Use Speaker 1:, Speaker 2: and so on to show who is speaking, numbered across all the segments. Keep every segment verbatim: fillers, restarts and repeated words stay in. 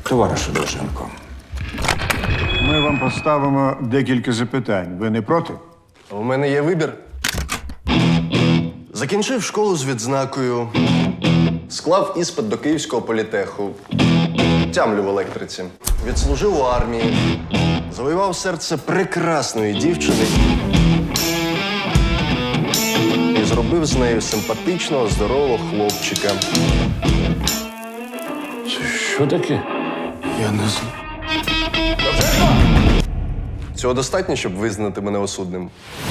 Speaker 1: Товаришу Довженко,
Speaker 2: Ми вам поставимо декілька запитань. Ви не проти?
Speaker 3: У мене є вибір. Закінчив школу з відзнакою, склав іспит до Київського політеху, тямлю в електриці, відслужив у армії, завоював серце прекрасної дівчини і зробив з нею симпатичного, здорового хлопчика.
Speaker 1: що таке?
Speaker 3: Я не знаю. Цього достатньо, щоб визнати мене осудним.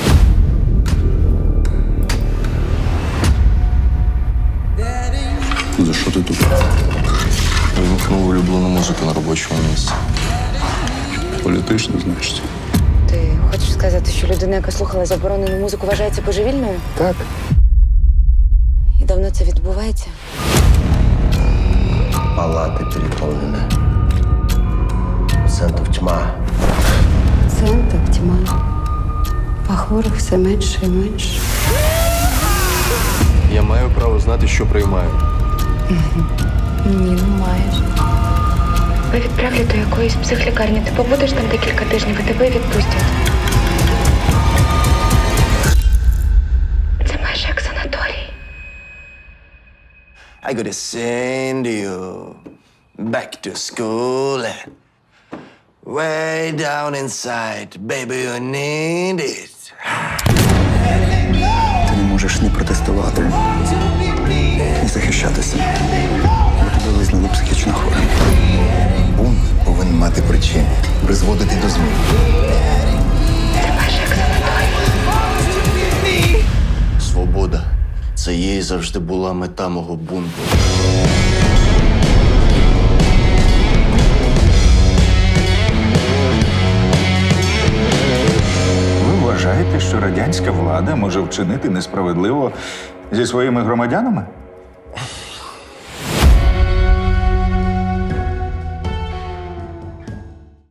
Speaker 4: За що ти тут?
Speaker 3: Вимкнув улюблену музику на робочому місці.
Speaker 4: Політично, значить.
Speaker 5: Ти хочеш сказати, що людина, яка слухала заборонену музику, вважається божевільною?
Speaker 3: Так.
Speaker 5: І давно це відбувається?
Speaker 6: Палаты переполнены. Пациентов тьма.
Speaker 7: Пацієнтів тьма, а хворих все менше і менше.
Speaker 3: Я маю право знати, що приймаю.
Speaker 5: Ні, не маєш.
Speaker 8: Тебе відправлять до якоїсь психлікарні. Ти побудеш там декілька тижнів і тебе відпустять. Це майже як санаторій.
Speaker 3: I gotta send you back to school. Way down inside, baby, you need it.
Speaker 4: Ти не можеш ні протестувати, ні захищатися. Бо тебе визнали психічно хворим.
Speaker 6: Бунт повинен мати причини, призводити до змін.
Speaker 8: Це майже як санаторій.
Speaker 3: Свобода. Це їй завжди була мета мого бунту.
Speaker 1: Ви вважаєте, що радянська влада може вчинити несправедливо зі своїми громадянами?